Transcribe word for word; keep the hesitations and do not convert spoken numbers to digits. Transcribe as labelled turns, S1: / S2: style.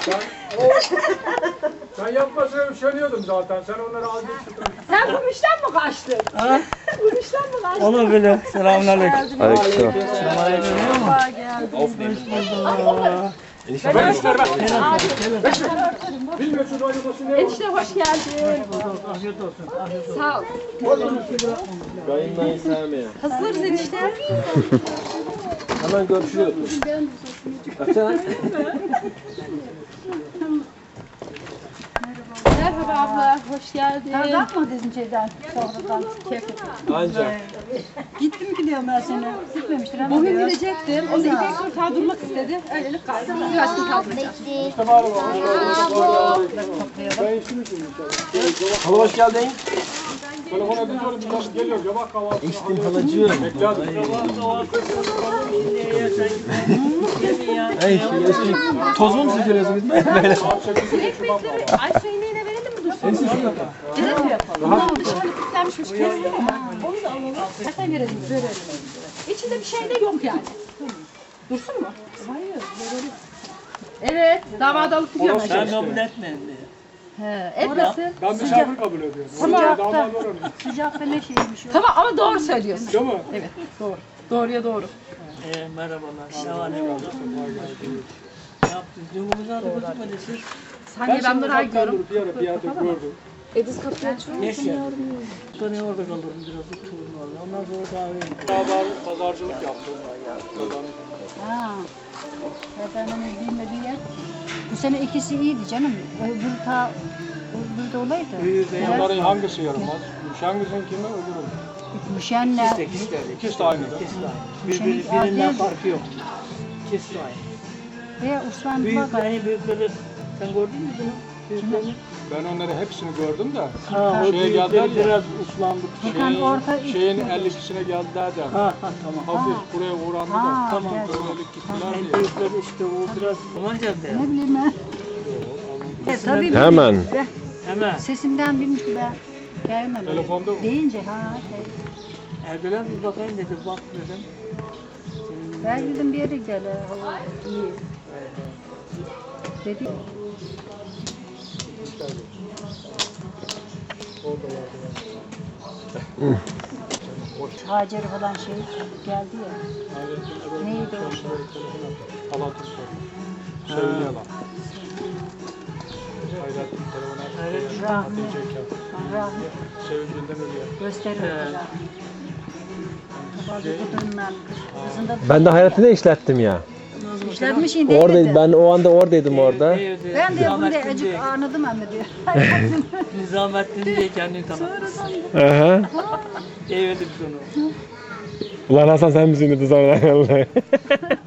S1: Ben, o, ben yapmasına üşeniyordum zaten. Sen onları al git.
S2: Sen bu işten mi kaçtın? Ha? Bu işten mi kaçtın?
S3: Olur böyle. Selamünaleyküm.
S4: Aleykümselam.
S3: Selamünaleyküm.
S1: Ben ver ver. Bilmiyorsun acımasın ne
S2: Enişte hoş geldin.
S3: Afiyet olsun. Afiyet olsun.
S2: Sağ ol.
S4: Kayınlayı sevmeye.
S2: Hazırız enişte.
S4: Hemen görüşüyoruz. Baksana.
S2: Merhaba abla, hoş geldin.
S5: Nereden mı dedim şeyden, sonradan keyif.
S4: Ancak.
S5: Gittim ki diyorum ben seni. Gitmemiştir ama
S2: Bugün
S5: diyor.
S2: gidecektim. O da İpek Sultan durmak istedi. Öylelik kaldı. Biraz gün kaldı.
S4: Hala hoş geldin.
S1: Telefon ediyorum. Biraz geliyor. Cevap kahvaltı.
S4: İçtim halacığım.
S1: Bekle hadi.
S4: Ey şu eski tozumu mu sıkıyorsunuz? Böyle.
S2: Ekmekleri Ayşe ineğine verelim mi dursun? Gidelim mi? Rahat. Dışarı kilitlenmişmiş. Kestim ama. Onu da alalım. Zaten verelim. Verelim. İçinde bir şey de yok yani. Dursun mu? Hayır. Evet. Davada alıp gidiyorum.
S3: Sen kabul etmeyin diye.
S2: He, etmesin.
S1: Ben misafir kabul ediyorum.
S2: Sıcakta.
S1: Damat oranı.
S5: Sıcak ve ne şeymiş o.
S2: Tamam ama doğru söylüyorsun.
S1: Değil mi?
S2: Evet. Doğru. Doğruya doğru.
S3: Ee, merhabalar. Selamünaleyküm. Ne yaptınız? Yolumuzu aldık gözükmedi siz.
S2: Sanki ben buraya gidiyorum.
S1: Bir ara bir yerde gördüm.
S2: Ediz kapıyı açıyor.
S3: Geç gel. Sonra orada kalırım biraz otururum valla. Ondan sonra kahveyim.
S1: Pazar, pazarcılık yaptım.
S5: Ha. Ya ben onu bilmediğim yer. Bu sene ikisi iyiydi canım. Öbür ta öbür de olaydı.
S1: Bunların hangisi yaramaz? Hangisinin kimi öbürü?
S5: Müşenle.
S3: İkisi de ikisi de.
S1: İkisi de aynı.
S3: İkisi de aynı. Birbiri, birinden farkı yok. İkisi de aynı.
S5: Ve Osman Baba.
S3: Büyüklerini büyükleri sen gördün mü bunu? Büyüklerini?
S1: Ben onları hepsini gördüm de.
S3: Ha, o
S1: Şeye
S3: büyükleri
S1: geldiler ya.
S3: biraz uslandık.
S5: Bakan
S1: Şeyin,
S5: orta
S1: şeyin elli ikisine geldiler de.
S3: Ha ha tamam.
S1: Hafif buraya uğrandı da.
S5: Ha,
S3: Tamam,
S5: gel.
S1: Böylelik gittiler
S3: En
S1: diye.
S3: büyükleri işte o biraz. Aman canım
S5: Ne bileyim ben. E, tabii
S4: Hemen.
S5: ben-
S3: Hemen.
S5: Sesimden bilmiş ki ben. Gelmem.
S1: Telefonda mı?
S5: Deyince ha. Şey.
S3: Erdoğan bir bakayım dedi. Bak dedim.
S5: Ben dedim bir yere gel. ha, İyi. Dedi. Hacer falan şey geldi ya. Neydi o şey?
S1: Halatı sor. Sevgili yalan. Hayrettin telefonu açtı.
S5: Rahmi.
S1: Diyecekken.
S5: Rahmi.
S1: Sevincinden ölüyor.
S5: Gösteriyor. Bazı kadınlar kızında
S4: Ben de hayatını işlettim ya.
S5: işlenmiş indi.
S4: Oradaydım. Ben o anda oradaydım orada.
S5: Ben de bunu de acık anladım ama diyor.
S3: Nizamettin diye kendini tanıttı.
S4: Aha.
S3: Evde biz onu.
S4: Ulan Hasan sen misin dedi sonra.